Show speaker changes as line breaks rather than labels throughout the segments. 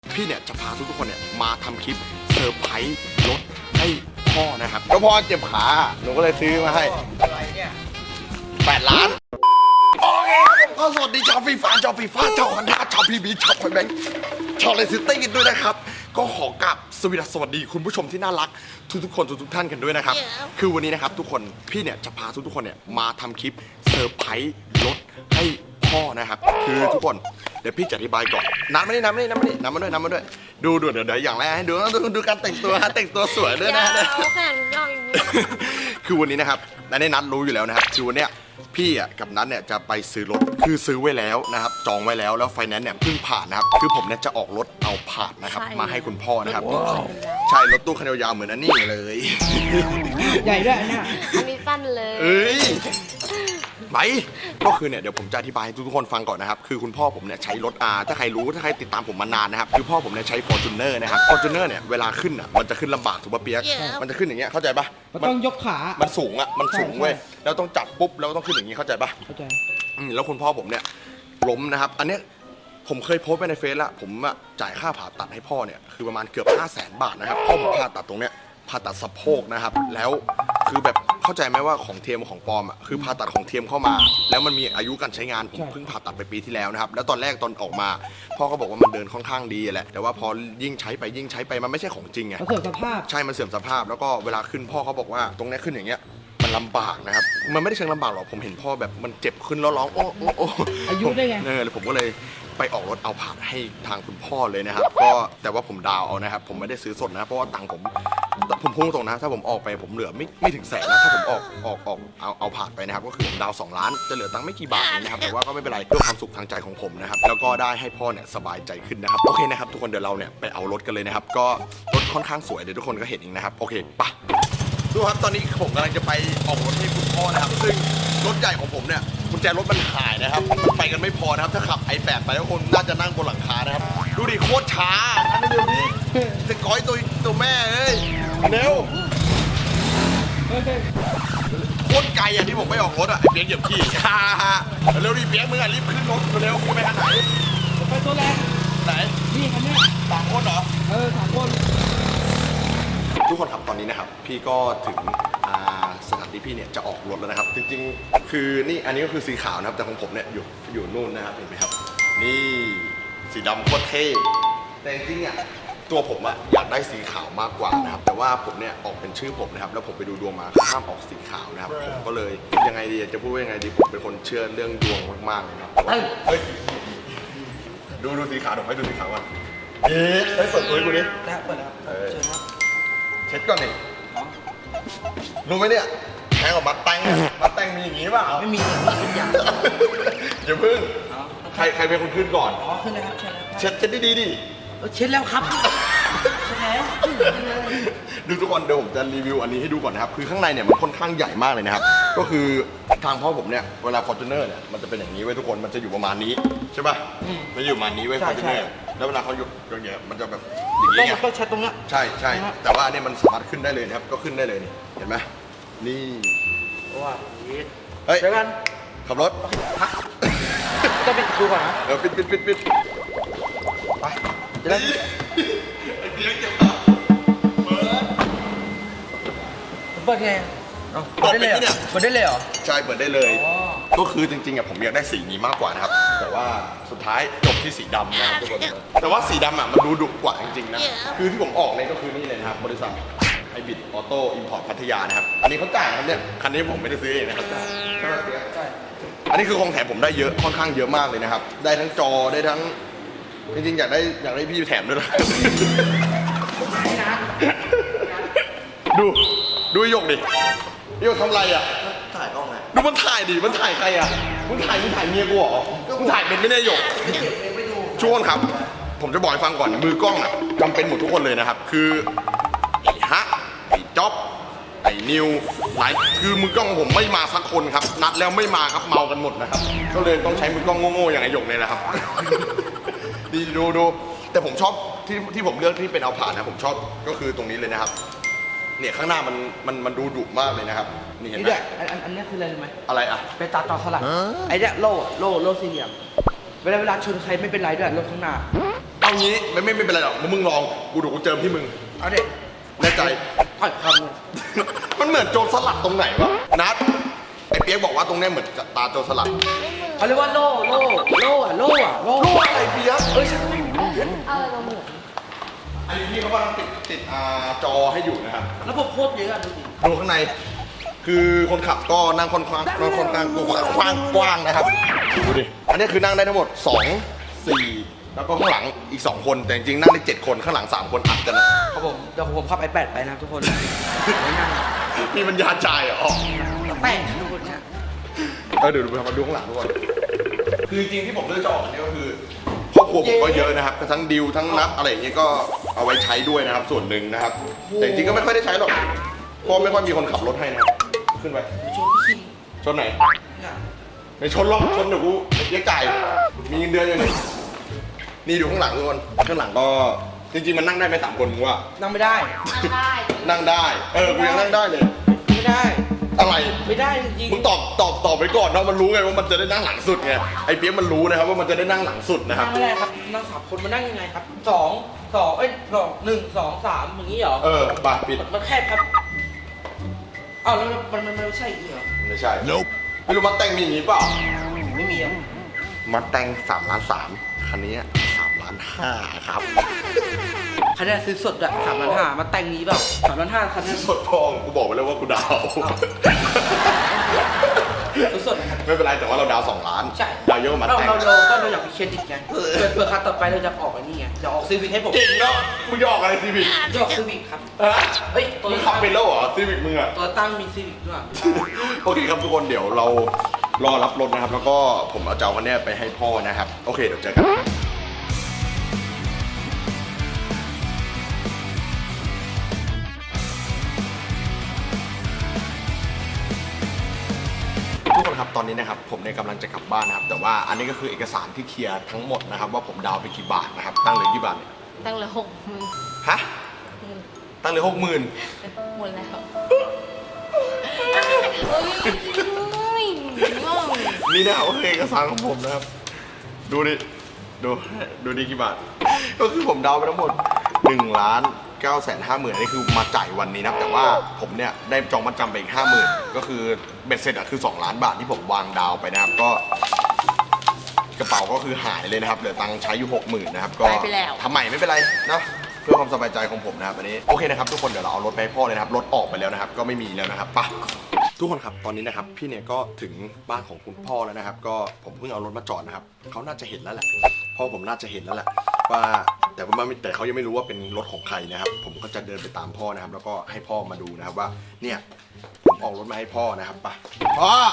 พี่เนี่ยจะพาทุกคนเนี่ยมาทำคลิปเซอร์ไพรส์รถให้พ่อนะครับก็พ่อเจ็บขาหนูก็เลยซื้อมาให้อะไรเนี่ย8 ล้านโอเคครับผมก็สวัสดีชาวฟีฟ่าชาวฮอนด้าชาวพีบีชาวไฟแบงค์ชาวเลซิตี้กันด้วยนะครับก็ขอกราบสวัสดีคุณผู้ชมที่น่ารักทุกคนทุกท่านกันด้วยนะครับคือวันนี้นะครับทุกคนพี่เนี่ยจะพาทุกคนเนี่ยมาทำคลิปเซอร์ไพรส์รถให้พ่อนะครับคือทุกคนเดี๋ยวพี่จะอธิบายก่อนน้ำมาด้วยดูเดี๋ยวอย่างแรกให้ดูการแต่งตัวแต่งตัวสวยด้วยนะคือวันนี้นะครับในนัดรู้อยู่แล้วนะครับคือวันเนี้ยพี่อ่ะกับนัทเนี่ยจะไปซื้อรถคือซื้อไว้แล้วนะครับจองไว้แล้วไฟแนนซ์เนี่ยเพิ่งผ่านนะครับคือผมเนี่ยจะออกรถเอาผ่านนะครับมาให้คุณพ่อนะครับใช่รถตู้คันยาวๆเหมือนอันนี้เลย
ใหญ่ด้วยเนี่ย
อันนี้สั้นเลย
ไปก็คือเนี่ยเดี๋ยวผมจะอธิบายให้ทุกคนฟังก่อนนะครับคือคุณพ่อผมเนี่ยใช้รถถ้าใครติดตามผมมานานนะครับคือพ่อผมเนี่ยใช้ Fortuner นะครับ Fortuner เนี่ยเวลาขึ้นอ่ะมันจะขึ้นลำบากถูกป่ะเปียกมันจะขึ้นอย่างเงี้ยเข้าใจปะ
มันต้องยกขา
มันสูงเว้ยแล้วต้องจับปุ๊บแล้วต้องขึ้นอย่างงี้เข้าใจปะ
เข้าใจ
แล้วคุณพ่อผมเนี่ยล้มนะครับอันเนี้ยผมเคยโพสต์ไปในเฟซแล้วผมจ่ายค่าผ่าตัดให้พ่อเนี่ยคือประมาณเกือบ500,000 บาทนะครับพ่อผมผ่าตัดตรงเนี้ยผ่าตัดสะโพกนะครับแล้วคือแบบเข้าใจไหมว่าของเทียมของปลอมอ่ะคือผ่าตัดของเทียมเข้ามาแล้วมันมีอายุการใช้งานผมเพิ่งผ่าตัดไปปีที่แล้วนะครับแล้วตอนแรกตอนออกมาพ่อก็บอกว่ามันเดินค่อนข้างดีแหละแต่ว่าพอยิ่งใช้ไปมันไม่ใช่ของจริงไง
มันเสื่อมสภาพ
ใช่มันเสื่อมสภาพแล้วก็เวลาขึ้นพ่อเขาบอกว่าตรงนี้ขึ้นอย่างเงี้ยมันลำบากนะครับมันไม่ได้เชิงลำบากหรอกผมเห็นพ่อแบบมันเจ็บขึ้นแล้วร้องโอ้
อายุได้ไง
เลยผมก็เลยไปออกรถเอาผ่านให้ทางคุณพ่อเลยนะครับก็แต่ว่าผมดาวเอานะครับผมไม่ได้ซื้อสดนะเพราะว่าตังค์ผมพุ่งตรงนะถ้าผมออกไปผมเหลือไม่ถึงแสนนะถ้าผมออกเอาผ่านไปนะครับก็คือผมดาว2 ล้านจะเหลือตังค์ไม่กี่บาทนะครับแต่ว่าก็ไม่เป็นไรเพื่อความสุขทางใจของผมนะครับแล้วก็ได้ให้พ่อเนี่ยสบายใจขึ้นนะครับโอเคนะครับทุกคนเดี๋ยวเราเนี่ยไปเอารถกันเลยนะครับก็รถค่อนข้างสวยเดี๋ยวทุกคนก็เห็นเองนะครับโอเคไปดูครับตอนนี้ผมกำลังจะไปออกรถให้คุณพ่อนะครับซึ่งรถใหญ่ของผมเนี่ยกุญแจรถมันหายนะครับมันไปกันไม่พอนะครับถ้าขับi8ไปแล้วคนน่าจะนั่งบนหลังคานะครับดูดิโคตรช้าอันนี้เดี๋ยวนี้จะก้อยตัวแม่เอ้ยเร็วโคตรไกลอ่ะที่ผมไปออกรถอ่ะไอ้เปี๊ยกเหยียบขี้เร็วดิเปี๊ยกมึงอ่ะรีบขึ้นรถเร็วไปทางไหน
ไปตัวแรก
ไหน
นี่คันนี้
3 คนเหรอ
3 คน
ทุกคนครับตอนนี้นะครับพี่ก็ถึงสถานที่พี่เนี่ยจะออกรถแล้วนะครับจริงๆคือนี่อันนี้ก็คือสีขาวนะครับแต่ของผมเนี่ยอยู่นู่นนะครับเห็นไหมครับนี่สีดำโคตรเท่แต่จริงๆอ่ะตัวผมอะอยากได้สีขาวมากกว่านะครับแต่ว่าผมเนี่ยออกเป็นชื่อผมนะครับแล้วผมไปดูดวงมาห้ามออกสีขาวนะครับผมก็เลยยังไงดีจะพูดว่ายังไงดีผมเป็นคนเชื่อเรื่องดวงมากๆเลยครับเฮ้ยดูสีขาวผมให้ดูสีขาวก่อนเฮ้ยเปิดตัวให้กูดิ
ได้เปิดแล้วเชิญครับ
เช็ดก่อนดิรู้ไหมเนี่ยแพงกว่ามัดแตงมีอย่างงี้เปล่า
ไม่มีอย่าง
อย่าพึ่งใครเป็นคนขึ้นก่อน
ขึ้นเลยครับ
เช็ดดีดิ
เช็ดแล้วครับเช็ดแล้ว
ดูทุกคนเดี๋ยวผมจะรีวิวอันนี้ให้ดูก่อนนะครับคือข้างในเนี่ยมันค่อนข้างใหญ่มากเลยนะครับก็คือทางพ่อผมเนี่ยเวลา Fortuner เนี่ยมันจะเป็นอย่างนี้ไว้ทุกคนมันจะอยู่ประมาณนี้ใช่ป่ะมันอยู่ประมาณนี้ไว้ Fortuner แล้วเวลาเขาอยู่อย่างเงี้ยมันจะแบบอย่าง
นี้ต้องเช็ดตรงนี้
ใช่แต่ว่าอันนี้มันสามารถขึ้นได้เลยนะครับก็ขึ้นได้เลยนี่เห็นไหมนี่
ว้า
เฮ้ย
เดี๋ยวกัน
ขับรถ
พักต้องปิดดูก่อนนะ
ปิดไป
จะได้
ไอ้เพี้ยงจะ
เปิดไงเปิดได้เลยเหรอ
ใช่เปิดได้เลยก็คือจริงๆอ่ะผมอยากได้สีนี้มากกว่านะครับแต่ว่าสุดท้ายจบที่สีดำนะครับทุกคนแต่ว่าสีดำอ่ะมันดูดุกว่าจริงๆนะคือที่ผมออกเนี่ยก็คือนี่เลยนะครับบริษัทไฮบริดออโต้อิมพอร์ตพัทยานะครับอันนี้เขาจ่ายครับเนี่ยคันนี้ผมไม่ได้ซื้อเองนะครับใช่ไหมใช่อันนี้คือของแถมผมได้เยอะค่อนข้างเยอะมากเลยนะครับได้ทั้งจอได้ทั้งจริงๆอยากได้พี่แถมด้วยนะดูยกดิยกทำไรอ่ะ
ถ่ายกล้องไง
ดูมันถ่ายดิมันถ่ายใครอ่ะมึงถ่ายเมียกูเหรอมึงถ่ายเป็นไม่ได้ยกช่วงครับผมจะบอกให้ฟังก่อนมือกล้องอ่ะจำเป็นหมดทุกคนเลยนะครับคือไอ้ฮะไอ้จ๊อบไอ้นิวหลายคือมือกล้องผมไม่มาสักคนครับนัดแล้วไม่มาครับเมากันหมดนะครับก็เลยต้องใช้มือกล้องโง่ๆอย่างไอ้หยกเลยนะครับดีดูแต่ผมชอบที่ผมเลือกที่เป็นเอาผ่านนะผมชอบก็คือตรงนี้เลยนะครับเนี่ยข้างหน้ามันดูดุมากเลยนะครับนี่เห็นไหม
อันนี้คืออะไรรู้ไหม
อะไรอ่ะ
ไปตาต่อสลัดไอ้เนี่ยโล่สี่เหลี่ยมเวลาชนใครไม่เป็นไรด้วยรถข้างหน้า
เอาเอางี้ไม่เป็นไรหรอกมึงลองกูดูกูเจิมที่มึง
เอาเด็ก
แน่ใจ
ต่อยคำเลย
มันเหมือนโจรสลัดตรงไหนวะนัดไอ้เปียกบอกว่าตรงเนี้ยเหมือนตาโจรสลัด
เขาเรียกว่าโล่โล่
อะไรเปียก
ใช่
อันนี้พี่เขากำลังติดจอให้อยู่นะครับ
แล้วผมโคตรเยอะดูดิ
ดูข้างใน คือคนขับก็นั่งค่อนข้างกว้างนะครับดูดิอันนี้คือนั่งได้ทั้งหมด2 4แล้วก็ข้างหลังอีก2คนแต่จริงๆนั่งได้7คนข้างหลัง3คนอัดกันนะครับ
ผมเดี๋ยวผมขับiPadไปนะทุกคนไม่นั่ง
นี่มันยาใจายเหรอ
แป้งทุกคนเนี่ย
เดี๋ยวมาดูข้างหลังทุกคนคือจริงๆที่ผมเลือกจะออกอันนี้ก็คือครอบครัวผมก็เยอะนะครับทั้งดิวทั้งนับอะไรอย่างเงี้ยก็เอาไว้ใช้ด้วยนะครับส่วนหนึ่งนะครับแต่จริงๆก็ไม่ค่อยได้ใช้หรอกเพราะไม่ค่อยมีคนขับรถให้นะครับขึ้นไป
ชนขี้
ชนไหนไม่ชนหรอกชนเดี๋ยวกูเรียกจ่ายมีเงินเดือนอยู่นี่ดูข้างหลังทุกคนข้างหลังก็จริงๆมันนั่งได้ไหม3 คนมึงว่า
นั่งไม่ได้
นั่งได้กูยังนั่งได้เลย
ไม่ได้
อะไร
ไม่ได้จริง
มึงตอบไปก่อนเนาะมันรู้ไงว่ามันจะได้นั่งหลังสุดไงไอ้เปี๊ยกมันรู้นะครับว่ามันจะได้นั่งหลังสุดนะครับ
นั่งไม่ได้ครับนั่ง3 คนมันนั่งยังไงครับ1 2 3อย่างนี้เหรอ
บาดปิด
มันแคบครับอ้าวแล้วมันไม่ใช่อย่างนี้เหรอ
ไม่ใช่ไม่รู้มัดแต่งมีอย่างนี้เปล่า
ไม่มีอ่ะ
มัดแต่ง3.3 ล้านคันนี้3.5 ล้านครับ
คันนี้ซื้อสดอะ3.5มาแต่งนี้เปล่า3.5คันนี้
สดทองกูบอกไปแล้วว่ากูดาว
ซื้อสดนะครับ
ไม่เป็นไรแต่ว่าเราดาว2 ล้าน
ใช่
ดาวเยอะกว่ามัดแต่ง
เราอยากมีเครดิตไงเผื่อคันต่อไปเราจะออกอันนี้ไงจะออกซีวิกให้ผม
เก่งเนาะมึงจะออกอะไรซีวิก
จะออกซีวิกครับ เฮ้ยตัว
มึงขับเป็นแล้วเหรอซีวิกมึงอะ
ตัวตั้งมีซีวิกด้วย
โอเคครับทุกคนเดี๋ยวเรารอรับรถนะครับ แล้วก็ผมเอาเจ้าคันนี้ไปให้พ่อนะครับโอเคเดี๋ยวเจอกันทุกคนครับตอนนี้นะครับผมเนี่ยกำลังจะกลับบ้านนะครับแต่ว่าอันนี้ก็คือเอกสารที่เคลียร์ทั้งหมดนะครับว่าผมดาวไปกี่บาทนะครับตั้งเหลือกี่บาทเนี่ย
ตั้งเลย60,000
ฮะตั้งเหลือ60,000
หมดแล้วเฮ้ยง่วง
นี่นะครับก็คือเอกสารของผมนะครับดูดิกี่บาทก็คือผมดาวไปทั้งหมด1,950,000นี่คือมาจ่ายวันนี้นะครับแต่ว่าผมเนี่ยได้จองมัดจำไปอีก50,000ก็คือเบ็ดเสร็จอะคือ2 ล้านบาทที่ผมวางดาวไปนะครับก็กระเป๋าก็คือหายเลยนะครับเหลือตังค์ใช้อยู่60,000นะครับก็ทำใหม่ไม่เป็นไรนะเพื่อความสบายใจของผมนะครับอันนี้โอเคนะครับทุกคนเดี๋ยวเราเอารถไปให้พ่อเลยนะครับรถออกไปแล้วนะครับก็ไม่มีแล้วนะครับไปทุกคนครับตอนนี้นะครับพี่เนี่ยก็ถึงบ้านของคุณพ่อแล้วนะครับก็ผมเพิ่งเอารถมาจอดนะครับเขาน่าจะเห็นแล้วแหละพ่อผมน่าจะเห็นแล้วแหละว่าแต่เขายังไม่รู้ว่าเป็นรถของใครนะครับผมก็จะเดินไปตามพ่อนะครับแล้วก็ให้พ่อมาดูนะครับว่าเนี่ยผมออกรถมาให้พ่อนะครับไปพ่อ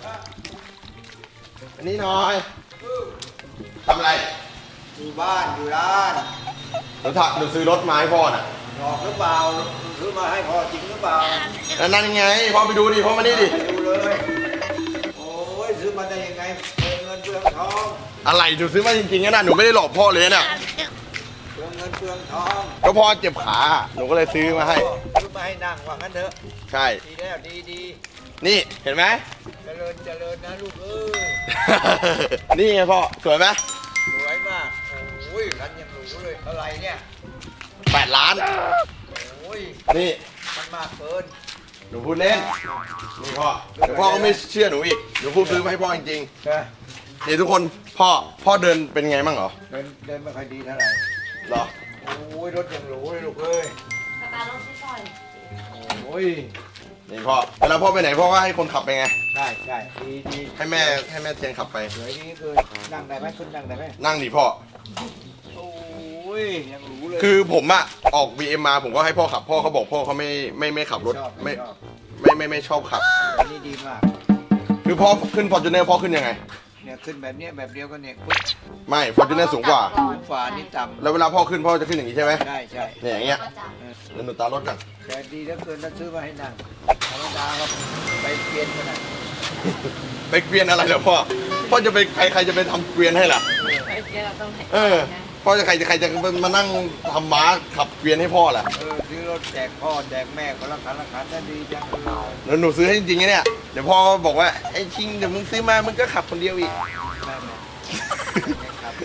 อันนี้หน่อยทำอะไร
อยู่บ้านอยู่ร้าน
หนูซื้อรถมาให้พ่อน่ะ
หลอกหรือเปล่าซื้อมาให้พ่อจริงหรือเปล่า
แล้วนั่นยังไงพ่อไปดูดิพ่อมานี่ดิ
ไปดูเลย โอ้ยซื้อมาได้ยังไงเปลืองเงินเปลืองทอง
อะไรหนูซื้อมาจริงๆนะหนูไม่ได้หลอกพ่อเลยนะ
เปลืองเงินเปลืองทอง
ก็พ่อเจ็บขาหนูก็เลยซื้อมาให้
ซื้อมาให้นั่งว่างั้นเถอะ
ใช่
ดีแล้วดีดี
นี่เห็นไหม
เจริญเจริญนะลูกเอ้ย
นี่ไงพ่อสวยไหม
สวยมากโอ้ยรันยังหรูเลยเท่าไหร่เนี่ย
8 ล้าน
โอ้ย
นี่
มันมากเกิน
หนูพูดเล่นนี่พ่อเดี๋ยวพ่อก็ไม่เชื่อหนูอีกเดี๋ยวพูดซื้อมาให้พ่อจริง
นะ
ๆนี่ทุกคนพ่อเดินเป็นไงบ้างเหรอ
เดินไม่ค่อยดีเท่าไหร่
เหรอ
โอ้ยรถยังหรูเลยลูกเอ้ย
สตาร์ทรถที่ซอย
โอ้ย
นี่พ่อเวลาพ่อไปไหนพ่อก็ให้คนขับไปไง
ใช่ใช่ดีดี
ให้แม่เทียนขับไป
สวยดีเกินนั่งได้ไหมคุณนั่งได้ไหม
นั่งดิพ่อ
โอ้ยยังหรูเลย
คือผมอะออก BM มาผมก็ให้พ่อขับพ่อเขาบอกพ่อเขาไม่ขับรถ
ชอบ
ไม่
ชอบ
ไม่ชอบขับ
อันนี้ดีมาก
คือพ่อขึ้น Fortuner พ่อขึ้นยังไง
เนี่ยขึ้นแบบเนี้ยแบบเดียวกันเนี่ย
ไม่ Fortuner สูงกว่า
ขึ้นฝานี่ต่
แล้วเวลาพ่อขึ้นพ่อจะขึ้นอย่างนี้ใช่ไหม
ำใช่ใช่
เนี่ยอย่างเงี้ย
ก็จับ
แล้วหนูตารถกัน
แต่ดีเหลือเกินถ้าซื้อมาให้นั่งธรรมดาครับไปเปลี่ยนกันนะ
ไปเกวียนอะไรเหรอพ่อจะไปใครจะไปทำเกวียนให้ล่ะ
ไอ้เจ๊เราต้องไหน
พ่อจะใครจะมานั่งทำม้าขับเกวียนให้พ่อล่ะ
ซื้อรถแจกพ่อแจกแม่คนละคันละคันนั่นดีจังเลย
แล้วหนูซื้อให้จริงๆนะเนี่ยเดี๋ยวพ่อบอกว่าไอ้ชิงเดี๋ยวมึงซื้อมามึงก็ขับคนเดียวอีก
แม่แม่ครับ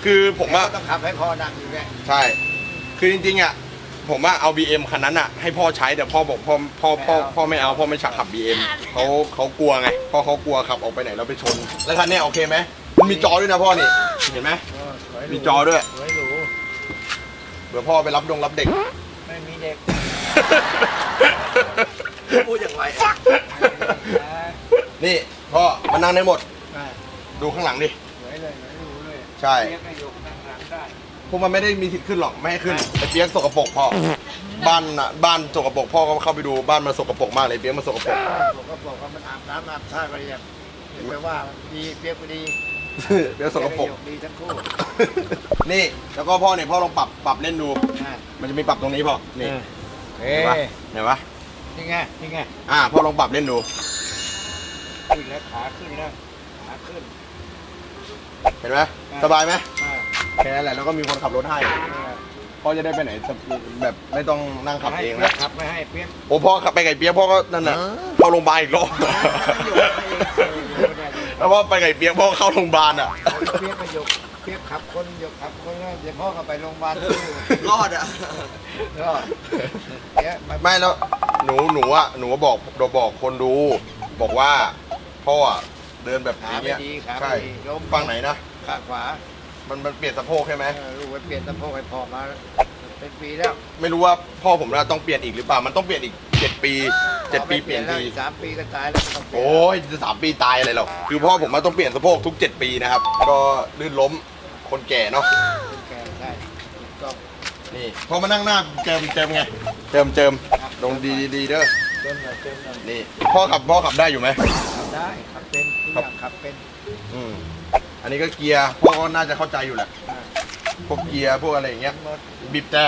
คือผมอะ
ต้องขับให้พ่อนั่งอยู่เนี่ย
ใช่ คือจริงๆอะผมอะเอา BM คันนั้นอะให้พ่อใช้แต่พ่อบอกพ่อไม่เอาพ่อไม่ฉักขับ BM เขากลัวไงพ่อเขากลัวขับออกไปไหนแล้วไปชน แล้วคันเนี้ยโอเคไหมมันมีจอด้วยนะพ่อนี่เห็นไหมมีจอด้วย
สวยหรู
เผื่อพ่อไปรับเด็ก
ไม่มีเด็กพูดอย่างไร
นี่พ่อมานั่งได้หมดดูข้างหลังดิ
สวยเลยสวยหรูเลย
ใช่
เรียกให้ยกนั่งหลังได้
พวกมันไม่ได้มีสิทธิ์ขึ้นหรอกไม่ให้ขึ้นไอ้เปียกสกปรกพ่อบ้านสกปรกพ่อก็เข้าไปดูบ้านมันสกปรกมากเลยเปียกมันสกปรก
ผมก็บอกว่ามันอาบน้ำอาบท่าไปอย่างแปลว่าดีเปียกก็ดี
เปียกสกปรก
ดีทั้งคู่
นี่แล้วก็พ่อเนี่ยพ่อลองปรับเล่นดู
อ่า
มันจะมีปรับตรงนี้พ่อนี่
เฮ้
เห็นปะ
นี่ไงนี่ไง
พ่อลองปรับเล่นดู
ขึ้นแล้วขาขึ้นแล้วขาขึ้น
เห็นไหมสบายไหม
อ่า
แค่นั้นแหละแล้วก็มีคนขับรถให้พ่อจะได้ไปไหนแบบไม่ต้องนั่งขับเอง
แล้
นะ
ขับไม่ให้เปียก
โอ้พ่อขับไปไก่เปียกพ่อก็นั่นน่ะเข้าโรงพยาบาลอีกรอบแล้วพ่อไปไก่เปียกพ่อเข้าโรงพยาบาลอ่ะ
เปียกก็ยกเปียกขับคนยกขับคนแล้วเดี๋ยวพ่อก็ไปโรงพยาบาล
รอดอ่ะ
รอดเปียกมา
ไม่แล้วหนูบอกคนดู บอกว่าพ่ออะเดินแบบ
ขา
นี้
ไม่
เนี่ย
ดีขา
ใช่
ไม่ดีล้ม
ฝั่งไหนนะ
ขาขวา
มันเปลี่ยนสะโพกใช่ไหม
ลูกไปเปลี่ยนสะโพกให้พ่อมาเป็นปีแล้ว
ไม่รู้ว่าพ่อผมน่ะต้องเปลี่ยนอีกหรือเปล่ามันต้องเปลี่ยนอีก7 ปี7 ปีเปลี่ยน
แล้ว
ที
อีก3 ปีก็ตายแล้วต้องเปลี่ยน
โอ้ยจะ3 ปีตายอะไรหรอกคือพ่อผมมาต้องเปลี่ยนสะโพกทุก7 ปีนะครับก็ลื่นล้มคนแก่เนาะ
แกใช่ถูกต้อง
นี่พอมานั่งหน้าเจิมไงเจิมลงดีเด้อ
เติมหน่อยเติมหน่อย
นี่พ่อขับได้อยู่ไหม
ขับได้ขับเป็นทุกอย่างขับเป็น
อันนี้ก็เกียร์พ่อก็น่าจะเข้าใจอยู่แหละ
อ่า
พวกเกียร์พวกอะไรอย่างเงี้ย
หมด
บีบแต่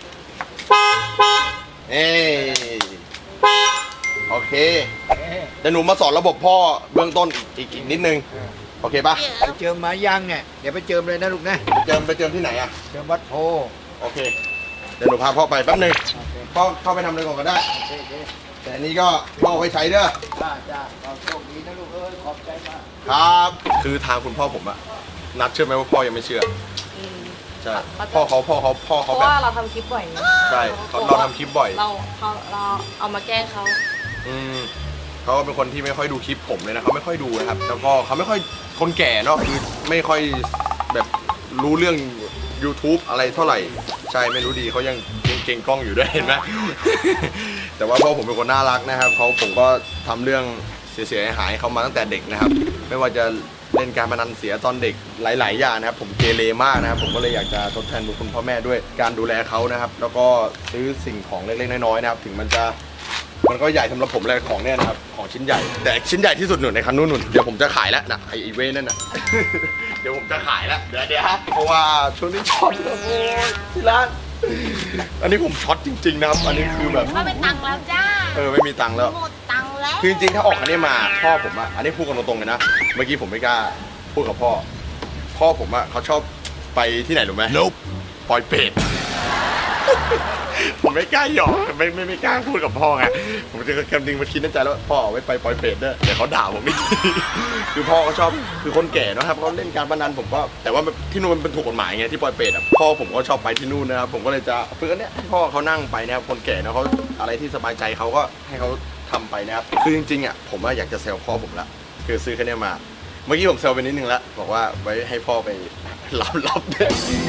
โอเค
เอ๊ะ
เดี๋ยวหนูมาสอนระบบพ่อเบื้องต้นอีกนิดนึงโอเคปะ
ไปเจิมมายังเนี่ยเดี๋ยวไปเจิมเลยนะลูกนะ
ไปเจิมที่ไหนอะ
เจิมวัดโพ
โอเคเดี๋ยวหนูพาพ่อไปแป๊บนึง
โอเค
พ่อเข้าไปทำอะไรก่อนก็ได้
โอเคโอเค
แต่อันนี้ก็พ่อเอาไว้ใช้เด้อ
จ้าเราโชคดีนะลูกเอ้ยขอบใจมาก
ครับ คือทางคุณพ่อผมอะนัดเชื่อไหมว่าพ่อยังไม่เชื่อ
อืม
ใช่พ่อเขา
เพราะ
แบบ
ว่าเราทำคลิปบ่อยไง
ใช่เราทำคลิปบ่อย
เราเอามาแกล้งเขา
เขาเป็นคนที่ไม่ค่อยดูคลิปผมเลยนะเขาไม่ค่อยดูนะครับแล้วก็เขาไม่ค่อยคนแก่เนาะคือไม่ค่อยแบบรู้เรื่อง YouTube อะไรเท่าไหร่ใช่ไม่รู้ดีเขายังเก่งกล้องอยู่ด้วยเห็นไหม แต่ว่าพ่อผมเป็นคนน่ารักนะครับผมก็ทำเรื่องเสียหายเขามาตั้งแต่เด็กนะครับ ไม่ว่าจะเล่นการพนันเสียตอนเด็กหลาย ๆ อย่างนะครับผมเกเรมากนะครับผมก็เลยอยากจะทดแทนบุญคุณพ่อแม่ด้วยการดูแลเขานะครับ แล้วก็ซื้อสิ่งของเล็กๆน้อยๆนะครับถึงมันก็ใหญ่สำหรับผมเลยของเนี่ยนะครับของชิ้นใหญ่แต่ชิ้นใหญ่ที่สุดหนุนในคันนู้นเดี๋ยวผมจะขายแล้วนะไอเว้นั่นน่ะ เดี๋ยวผมจะขายแล้วเดี๋ยวเพราะว่าช่วงนี้ช็อตโอ้ยที่ร้านอันนี้ผมช็อตจริงๆนะครับอันนี้คือแบบ
ก็เป็นตังค์แล้วจ้า
ไม่มีตังค์แล้ว
หมดตังค์แล้ว
คือจริงๆถ้าออกคันนี้มาพ่อผมอะอันนี้พูดกันตรงๆเลยนะเมื่อกี้ผมไม่กล้าพูดกับพ่อผมอะเขาชอบไปที่ไหนรู้ไหมปอยเป็ด ผมไม่กล้าหยอกไม่กล้าพูดกับพ่อไงผมจะกำลังมาคิดในใจแล้วว่าพ่อเอาไว้ไปปอยเป็ดเด้อเดี๋ยวเขาด่าผมอีก คือพ่อเขาชอบคือคนแก่เนอะครับเขาเล่นการพนันผมก็แต่ว่าที่นู่นมันเป็นถูกกฎหมายไงที่ปอยเป็ดอะพ่อผมก็ชอบไปที่นู่นนะครับผมก็เลยจะฝึกอันเนี้ยให้พ่อเขานั่งไปนะครับคนแก่เนอะเขาอะไรที่สบายใจเขาก็ให้เขาทำไปนะครับคือจริงๆอะผมอยากจะแซวพ่อผมละคือซื้อคันนี้มา เมื่อกี้ผมแซวไปนิดนึงแล้วบอกว่าไว้ให้พ่อไปรับเนี่ย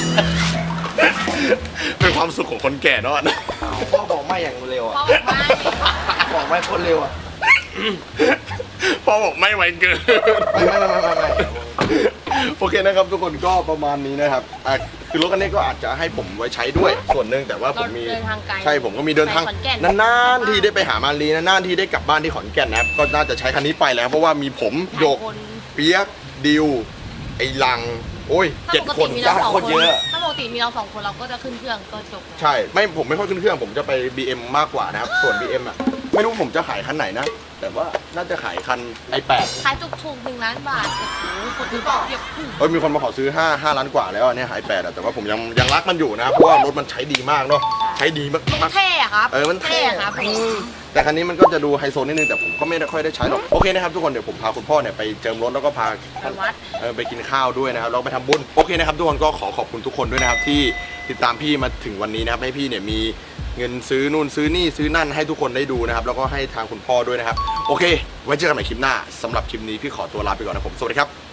เป็นความสุขของคนแก่เนอะ
พ่อบอกไม่อย่างเร็วอ่ะ
เพราะว่าไม่
บอกไม่คนเร็วอ่ะ
พ่อบอกไม่ไหวเกิน
ไม่
โอเคนะครับทุกคนก็ประมาณนี้นะครับคือรถคันนี้ก็อาจจะให้ผมไว้ใช้ด้วยส่วนหนึ่งแต่ว่าผมมี
เราเดินทางไกล
ใช่ผมก็มีเดินทาง
ไปขอนแก่น
นานๆที่ได้ไปหามารีนานๆที่ได้กลับบ้านที่ขอนแก่นนะครับก็น่าจะใช้คันนี้ไปแล้วเพราะว่ามีผมโยก
คน
เปียกดิวไอ้ลังโอ้ย
ถ้า
7
ปก
ค
ติ
น
มีเราสอง
โคตรเยอะ
ถ้าปกติมีเรา2 คนเราก็จะขึ้นเครื่องก็จบแล้ว
ใช่ไม่ผมไม่ค่อยขึ้นเครื่องผมจะไป BM มากกว่านะครับส่วน BM อ่ะไม่รู้ผมจะขายคันไหนนะแต่ว่าน่าจะขายคัน i8
ขายถูกๆ1 ล้านบาทโอ้โหคนดูเยอะขึ้น
มีคนมาขอซื้อ5 ล้านกว่าแล้วอันเนี่ย i8 อ่ะแต่ว่าผมยังรักมันอยู่นะเพราะว่ารถมันใช้ดีมากเนาะใช้ดีมาก
เท่อะครับ
มันเท่
ครับผม
แต่คันนี้มันก็จะดูไฮโซนิดนึงแต่ผมก็ไม่ได้ค่อยได้ใช้หรอกโอเคนะครับทุกคนเดี๋ยวผมพาคุณพ่อเนี่ยไปเจิมรถแล้วก็พา
ไปวัด
ไปกินข้าวด้วยนะครับแล้วไปทำบุญโอเคนะครับทุกคนก็ขอบคุณทุกคนด้วยนะครับที่ติดตามพี่มาถึงวันนี้นะครับให้พี่เนี่ยมีเงินซื้อนู่นซื้อนี่ซื้อนั่นให้ทุกคนได้ดูนะครับแล้วก็ให้ทางคุณพ่อด้วยนะครับโอเคไว้เจอกันใหม่คลิปหน้าสำหรับคลิปนี้พี่ขอตัวลาไปก่อนนะผมสวัสดีครับ